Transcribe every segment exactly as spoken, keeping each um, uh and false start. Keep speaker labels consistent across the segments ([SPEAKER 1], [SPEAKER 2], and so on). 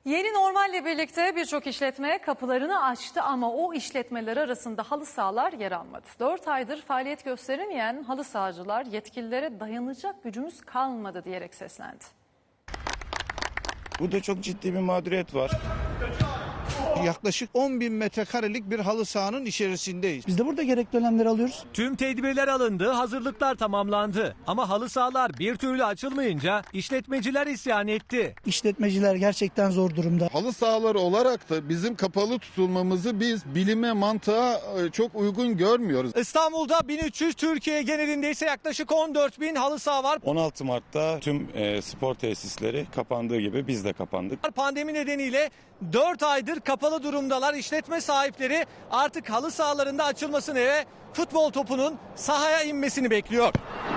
[SPEAKER 1] Yeni normalle birlikte birçok işletme kapılarını açtı ama o işletmeler arasında halı sahalar yer almadı. dört aydır faaliyet gösteremeyen halı sahacılar yetkililere dayanacak gücümüz kalmadı diyerek seslendi.
[SPEAKER 2] Burada çok ciddi bir mağduriyet var.
[SPEAKER 3] Yaklaşık on bin metrekarelik bir halı sahanın içerisindeyiz.
[SPEAKER 4] Biz de burada gerekli önlemleri alıyoruz.
[SPEAKER 5] Tüm tedbirler alındı, hazırlıklar tamamlandı. Ama halı sahalar bir türlü açılmayınca işletmeciler isyan etti.
[SPEAKER 4] İşletmeciler gerçekten zor durumda.
[SPEAKER 6] Halı sahaları olarak da bizim kapalı tutulmamızı biz bilime, mantığa çok uygun görmüyoruz.
[SPEAKER 5] İstanbul'da bin üç yüz, Türkiye genelinde ise yaklaşık on dört bin halı saha var.
[SPEAKER 2] on altı Mart'ta tüm e, spor tesisleri kapandığı gibi biz de kapandık.
[SPEAKER 5] Pandemi nedeniyle dört aydır kapalı durumdalar. İşletme sahipleri artık halı sahalarında açılmasını ve futbol topunun sahaya inmesini bekliyor.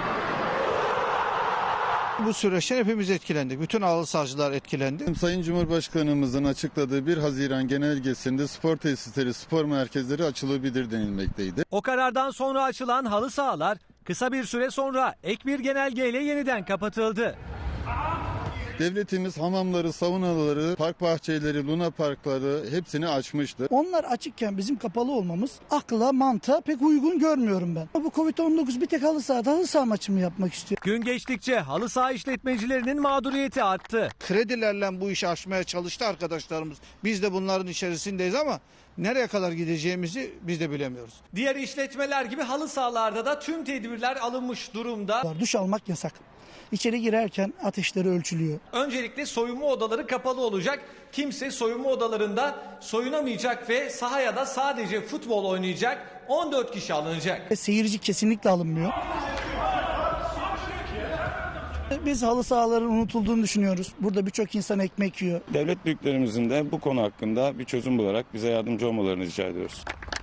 [SPEAKER 3] Bu süreçten hepimiz etkilendik. Bütün halı sahacılar etkilendi.
[SPEAKER 6] Sayın Cumhurbaşkanımızın açıkladığı bir Haziran genelgesinde spor tesisleri, spor merkezleri açılabilir denilmekteydi.
[SPEAKER 5] O karardan sonra açılan halı sahalar kısa bir süre sonra ek bir genelgeyle yeniden kapatıldı.
[SPEAKER 6] Devletimiz hamamları, saunaları, park bahçeleri, luna parkları hepsini açmıştı.
[SPEAKER 4] Onlar açıkken bizim kapalı olmamız akla, mantığa pek uygun görmüyorum ben. Bu kovid on dokuz bir tek halı sahada halı saha maçı mı yapmak istiyor?
[SPEAKER 5] Gün geçtikçe halı saha işletmecilerinin mağduriyeti arttı.
[SPEAKER 3] Kredilerle bu işi aşmaya çalıştı arkadaşlarımız. Biz de bunların içerisindeyiz ama nereye kadar gideceğimizi biz de bilemiyoruz.
[SPEAKER 5] Diğer işletmeler gibi halı sahalarda da tüm tedbirler alınmış durumda.
[SPEAKER 4] Duş almak yasak. İçeri girerken ateşleri ölçülüyor.
[SPEAKER 5] Öncelikle soyunma odaları kapalı olacak. Kimse soyunma odalarında soyunamayacak ve sahaya da sadece futbol oynayacak. on dört kişi alınacak.
[SPEAKER 4] Ve seyirci kesinlikle alınmıyor. Biz halı sahaların unutulduğunu düşünüyoruz. Burada birçok insan ekmek yiyor.
[SPEAKER 2] Devlet büyüklerimizin de bu konu hakkında bir çözüm bularak bize yardımcı olmalarını rica ediyoruz.